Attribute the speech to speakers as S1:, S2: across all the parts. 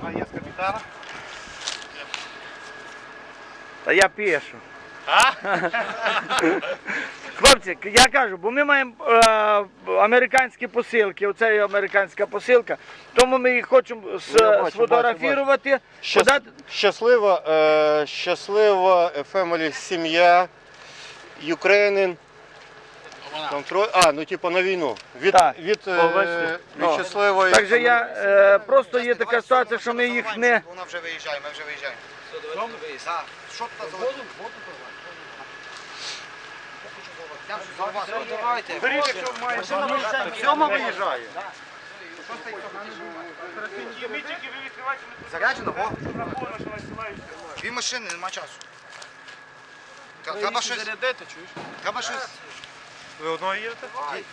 S1: є з капітана.
S2: Та я пишу.
S1: А?
S2: Хлопці, я кажу, бо ми маємо американські посилки, оце є американська посилка, тому ми їх хочемо сфотографувати.
S3: Щаслива family, сім'я, Ukrainian. Ну типу на війну. Від щасливої.
S2: Так же я, просто є така ситуація, що ми їх не...
S4: Вона вже виїжджає, ми вже виїжджаємо. Що тут за воду? Давайте.
S1: Беріть, якщо маєте. Сьома виїжджає.
S4: Заряджено, во? Дві машини, нема часу. Треба щось. Треба щось.
S1: Ви одного їдете?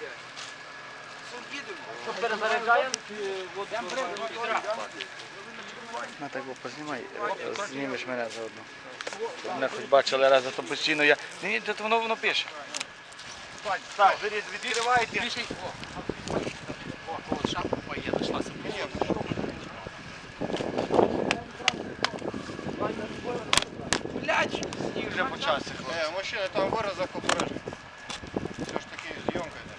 S2: На так познімай, знімеш мене заодно. Мене хоч бачили раз, а то постійно я... Ні, то воно пише.
S1: Так, відкривайте.
S2: Сніг вже почався.
S3: Мужчина, там виразок обережно. Все ж таки зйомка йде.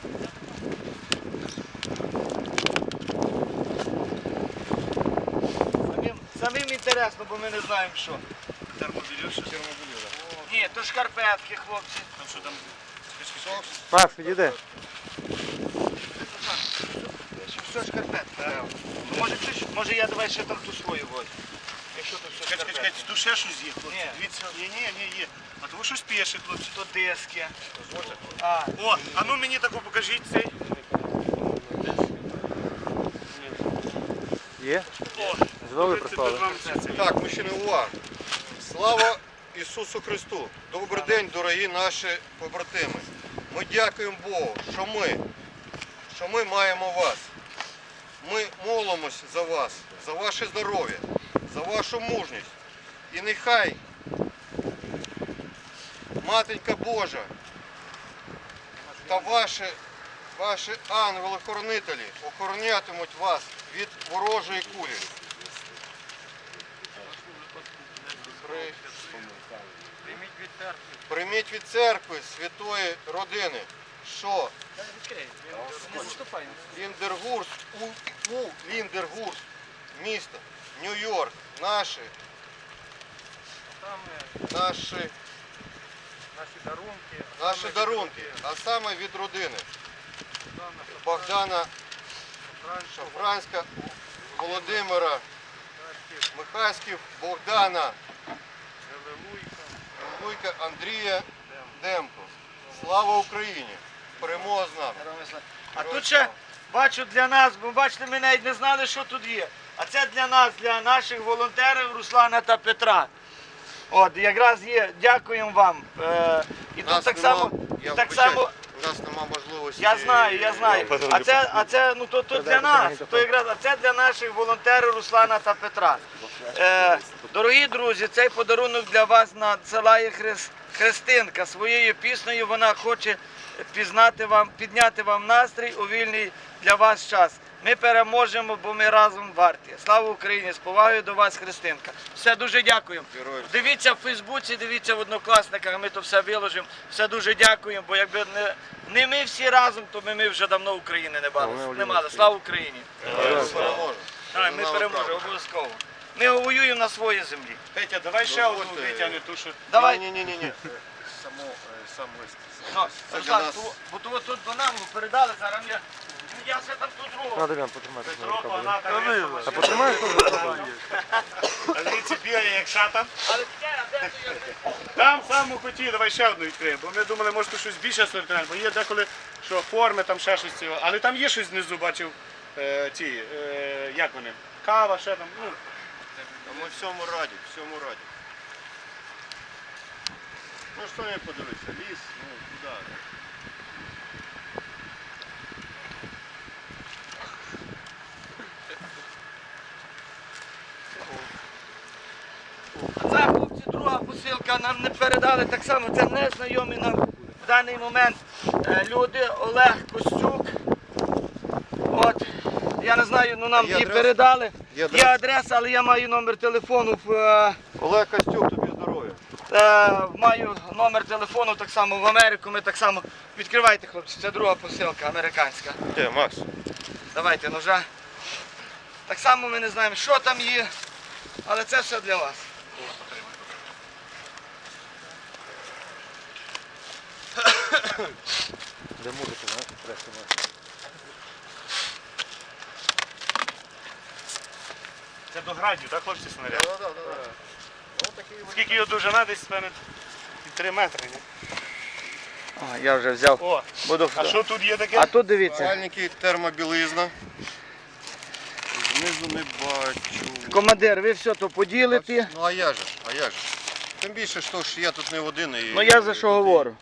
S2: Самим інтересно, бо ми не знаємо, що.
S1: Термобілю, що термобілю, так.
S2: Ні, то шкарпетки, хлопці.
S1: Там що там?
S3: Макс, підійди.
S2: Все шкарпетки. Може я давай ще там ту свою возьму. Якщо то все шкарпетки.
S1: Чекайте, тут ще щось є, хлопці.
S2: Ні.
S1: Дивіться. Ні, є. А то ви щось пише, хлопці.
S2: То диски.
S1: О, а ну мені таку покажіть цей.
S3: Є?
S1: О,
S3: Знову
S1: прислали.
S3: Так, мужчини, увага. Слава Ісусу Христу! Добрий день, дорогі наші побратими. Ми дякуємо Богу, що ми маємо вас. Ми молимось за вас, за ваше здоров'я, за вашу мужність. І нехай Матенька Божа та ваші ангели-хоронителі охоронятимуть вас від ворожої кулі. Прийміть від церкви святої родини, що у Ліндергурст, місто, Нью-Йорк, наші дарунки, а саме від родини Богдана Шафранська, Володимира Михайськів, Богдана Луйка, Андрія Демко. Слава Україні! Перемога з нами!
S2: А тут ще бачу для нас, бо бачите, ми навіть не знали, що тут є. А це для нас, для наших волонтерів Руслана та Петра. От, якраз є, дякуємо вам. І тут так само,
S3: у нас нема можливості.
S2: я знаю. А це ну, то для нас, то якраз, а це для наших волонтерів Руслана та Петра. Дорогі друзі, цей подарунок для вас надсилає Христинка. Своєю піснею вона хоче підняти вам настрій у вільний для вас час. Ми переможемо, бо ми разом варті. Слава Україні! З повагою до вас, Христинка. Все, дуже дякуємо. Дивіться в Фейсбуці, дивіться в Однокласниках, ми то все виложимо. Все дуже дякуємо, бо якби не ми всі разом, то ми вже давно України не мали. Слава Україні! Ми переможемо, обов'язково. Ми воюємо на своїй землі.
S1: Петя, давай ще одну витягни ту, що...
S2: Давай.
S3: Ні. Сам лист.
S2: Руслан, бо тут до нам передали, зараз я ще там тут другого.
S3: Надо Лян потримати.
S1: А
S3: потримаєш?
S1: А звідси бігає, як шатан.
S2: Але де то я?
S1: Там саму хотів, давай ще одну відкриємо, бо ми думали, може тут щось більше сортувати, бо є деколи, що форми, там ще щось цього. Але там є щось знизу, бачив, як вони, кава, ще там, ну.
S3: Ми всьому раді. Ну що не подивитися, ліс, ну куди?
S2: Це, хлопці, друга посилка нам не передали так само, це незнайомі нам в даний момент люди, Олег Костюк. От, Я не знаю, ну нам
S3: Є
S2: її
S3: адреса?
S2: передали.
S3: Є
S2: Є
S3: адреса?
S2: адреса, але я маю номер телефону
S3: Олег Костюк, тобі здоров'я.
S2: маю номер телефону так само в Америку. Ми так само. Відкривайте, хлопці, це друга посилка американська.
S3: Де, Макс?
S2: Давайте ножа. Так само ми не знаємо, що там є, але це все для вас.
S3: Де музика, знаєш, преси
S1: Це до градів, так, хлопці, снаряд?
S3: Так.
S1: Скільки його довжина, десь, певне, 3 метри, ні?
S2: О, я вже взяв.
S1: О,
S2: Буду.
S1: а що тут є таке?
S2: А тут дивіться,
S3: Спальники, термобілизна. Знизу не бачу.
S2: командир, ви все то поділите.
S3: Ну а як же? Тим більше, що ж я тут не один. І,
S2: Ну я за що говорю.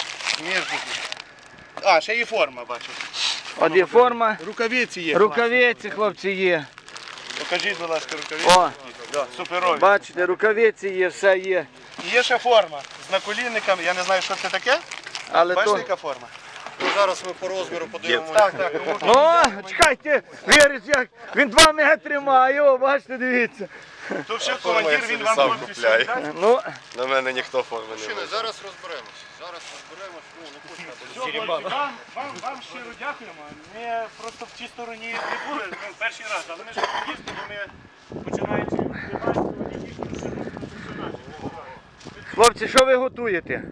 S1: А, ще є форма, бачу.
S2: От є форма,
S1: Рукавиці є.
S2: рукавиці, хлопці, є.
S1: Покажіть, будь ласка, рукавиці.
S2: О,
S1: Да, суперові.
S2: бачите, рукавиці є, все є.
S1: І є ще форма з наколінниками. Я не знаю, що це таке.
S2: Але
S1: Бачите,
S2: то...
S1: яка форма?
S3: Ну, зараз ми по розміру подивимося.
S1: Так.
S2: Ну, чекайте, віриш, як він 2 метри має, о, бачите, дивіться.
S1: Тут ще
S3: форма
S1: командир,
S3: я
S1: він
S3: собі
S1: вам
S3: сам
S1: тут
S3: купляю.
S1: все дасть.
S2: Ну,
S5: На мене ніхто форми не
S3: Мужчини,
S5: буде.
S3: зараз розберемося. Ну, не пустимо.
S1: Все, хлопці, вам щиро дякуємо. Ми просто в цій стороні не були, ну, перший раз, але ми ж їздили, бо ми починаючи і їздили все професіонально.
S2: хлопці, що ви готуєте?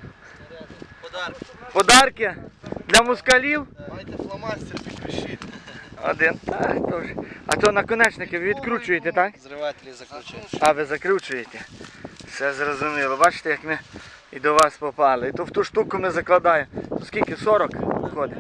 S2: Подарки для москалів?
S3: Майте фломастер, підпишіть.
S2: Один. Так, то ж. А то наконечники ви відкручуєте, так?
S4: Зривателі закручуєш.
S2: А, ви закручуєте. Все зрозуміло. Бачите, як ми і до вас попали. І то в ту штуку ми закладаємо. То скільки? 40 виходить?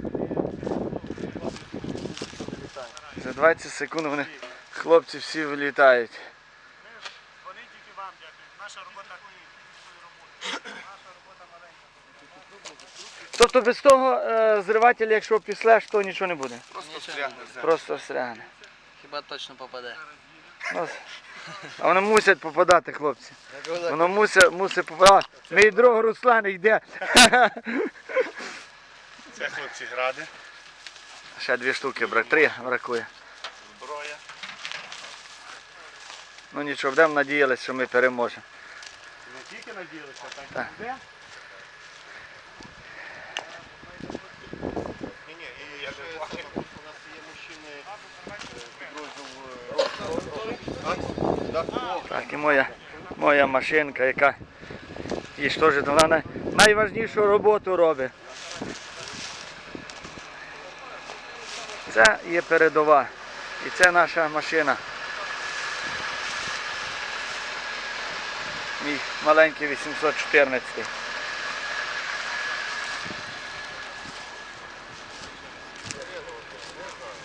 S2: За 20 секунд вони, хлопці, всі вилітають.
S1: Вони тільки вам дякують. Наша робота Наша робота маленька.
S2: Тобто без того зривателя, якщо післеш, то нічого не буде.
S1: Просто встрягне все.
S2: Просто встрягне.
S4: Хіба точно попаде.
S2: Ну, а вони мусять попадати, хлопці. Воно мусить попадати. Мій друг Руслан йде.
S1: Це хлопці гради,
S2: Ще 2 штуки, 3 бракує.
S1: зброя.
S2: Ну нічого, будемо надіялися, що ми переможемо.
S1: Не тільки надіялися, так
S2: Так.
S1: і буде.
S3: Ні, і ще у нас є мужчини підрозділ.
S2: Так, і моя машинка, яка і що ж, вона найважнішу роботу робить. Це є передова. І це наша машина. Мій маленький 814.